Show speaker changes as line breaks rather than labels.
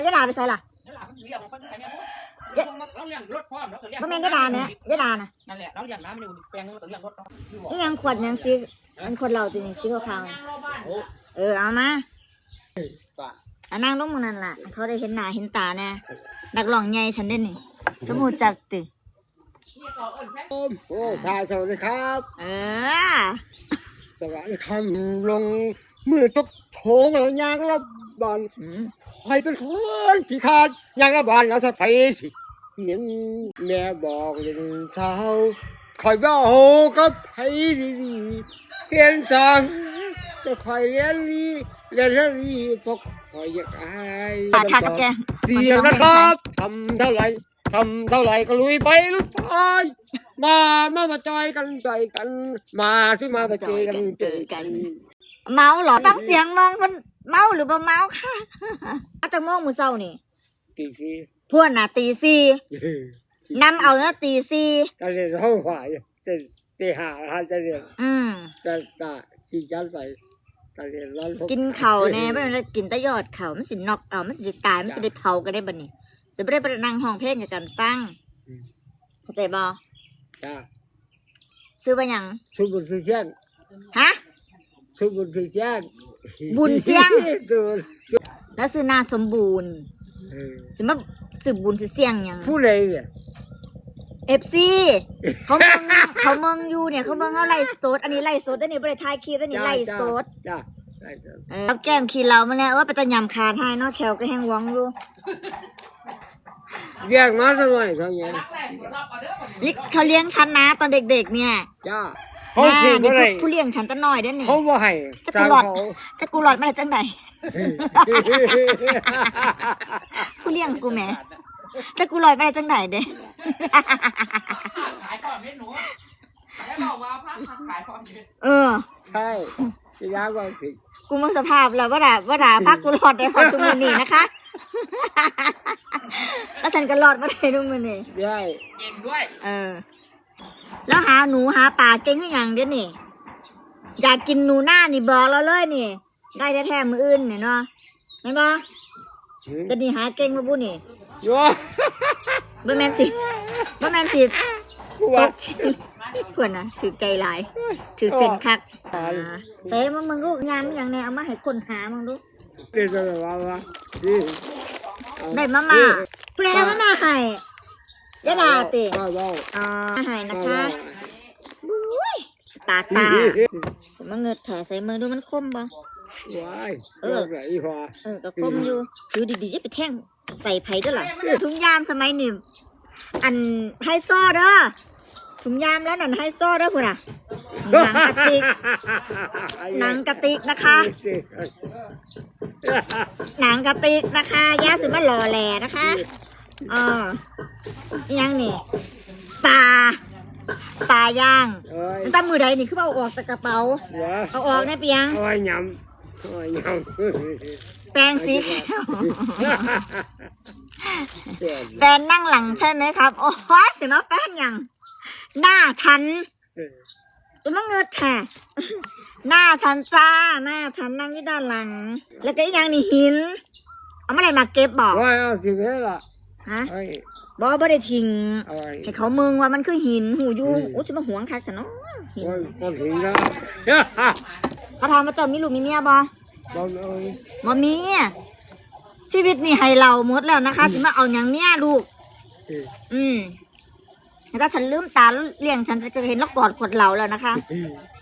ยะดาไปใส่ล่ะ
เราเลี้ยงรถพร้อมเราเลี้ยง
บ่แม่นยะดาแม่ยะดาน่ะ
นั่นแหละเราเลี้ยงน้ำมันอยู่แปลงนึงเราเลี้ยงรถ
นี่ยังขวดยังสีอันขวดเหล้าตัวนี้สีขาวๆเอามาอันนั่งลงมึงนั่นล่ะเขาได้เห็นหน้าเห็นตาแน่นักร้องใหญ่ฉันเด้นี่สมมุติจักติ
โอ้ชายสวัสดีครับสวัสดีครับลงมือตกโถงแล้วยางระบาดใครเป็นคนขี้ขาดยางระบาดแล้วสะไปสิเนียแม่บอกเรื่องสาวคอยบ้าโหกับไผดีๆเรียนจังจะคอยเรียนดีพวกคอยอยากอายเสียนะครับทำเท่าไหร่ก็ลุยไปลุยไปมาจอยกันมาสิมาเจอกัน
เมาเหรอฟังเสียงมึงมันเมาหรือบ่เมาค่ะจักโมงมื้อเช้านี่
ตีสี่
พวกน่ะตีสี่นำเอานะตีสี่
จะเรียนห้องฝ่ายจะตีหาจะเรียนจะขี่จันใส่จะเรียนร้อน
กินข้าวแน่บ่แม่นกินแต่ยอดข้าวมันสิน็อกเอามันสิได้ตายมันสิได้เผากันได้บัดนี้สิบ่ได้ไปนั่งห้องเพลงกันฟังเข้าใจบ่
จ้า
ซื้อว่าหยัง
สุบุญสีเชียง
ฮะ
สุบุญสีเชียง
บุญเสียงแล้วซื้อนาสมบูรณ์สิมาซื้อบุญสิเสียงหยัง
ผู้ใดเนี่ย
FC เขาเมืองอยู่เนี่ยเขาเมืองเอาไล่สดอันนี้ไล่สดอันนี้บ่ได้ถ่ายคลิปอันนี้ไล่สด
จ้า
เอาแก้มขี้เรามาแล้วว่าไปตะยำขาดให้เนาะแขวก็แห้งหวังอยู่
เรียกมาสักหน่อยเขาเนี่ย
เขาเลี้ยงฉันนะตอนเด็กๆเนี่ย
จ้าเขาเสียอะไร
ผู้เลี้ยงฉันจะน้อยเด้อนี่
เขาบ่ให้
จะกูหลอดมาได้จังไหน ผู้เลี้ยงกูแหมจะกูหลอดมาได้จังไหนเด้
ขายก่อนไม่หนูแล้วบอกว่าพักขายก่อน
ใช่จะยากกว่าสิ
กูมึงสภาพแล้วว่าด่าพักกูหลอดได้พอทุกมื้อนี้นะคะแล้วฉันก็หลอดมาได้ทุกมื้อนี้
ได้
เก่งด้วย
แล้วหาหนูหาปลาเก่งคือหยังเด้อนี่อยากกินหนูหน้านี่บอกเราเลยนี่ได้แท้ๆมื้ออื่นนี่เนาะแม่นบ่แต่นี่หาเก่งมาบุนี่
โย่
บ่แม่นสิตกเพื่อนน่ะถือใจหลายถือเส้นคักใส่มึงลูกงานอย่างแน่เอามาให้คนหามึงดู
เรียนอะไรวะนี่
ได้มาผู้ใดเอามาให้ยะดาติ
ว้าว
ให้นะคะบุ้ยสปาร์ตามาเงิดแถใส่มือดูมันคมบ่
ว้ายไหนพอ
ก็คมอยู่ดูดีๆจะไปแท่งใส่ไผ่ด้วยล่ะถุงยามสมัยนี้อันไฮโซเด้อถุงยามแล้วนั่นไฮโซเด้อพุ่นน่ะหนังกระติกนะคะหนังกระติกนะคะย่าสิมาหล่อแหล่นะคะยังนี่ปลาย่างตั้งมือใดนี่คือเอาออกจากกระเป๋าเอาออกได้เปียง
เอาไว้ยำ
แปรงสีแขวแฟนนั่งหลังใช่ไหมครับโอ้ยเสียมาแฟนยังหน้าฉันจะมาเงิดแท้หน้าฉันจ้าหน้าฉันนั่งที่ด้านหลังแล้วก็อีกอย่างนี่หินเอาอะไรมาเก็บบอก
ว่าเอาสิเวล่ะ
ฮะบอกบ่ได้ทิ้งให้เขามึงว่ามันคือหินหูยูโอ้ฉันมาหวงคักฉันเนาะหิน
ก็ถึงแล้ว
เขาถามว่าเจ้ามีลูกมีเมียบ่
บ่เลย
บ่มีชีวิตนี่ให้เราหมดแล้วนะคะสิมาเอาอย่างเนี้ยลูกแล้วก็ฉันลืมตาแล้วเลี้ยงฉันจะเห็นแล้วกอดขวดเหล้าแล้วนะคะ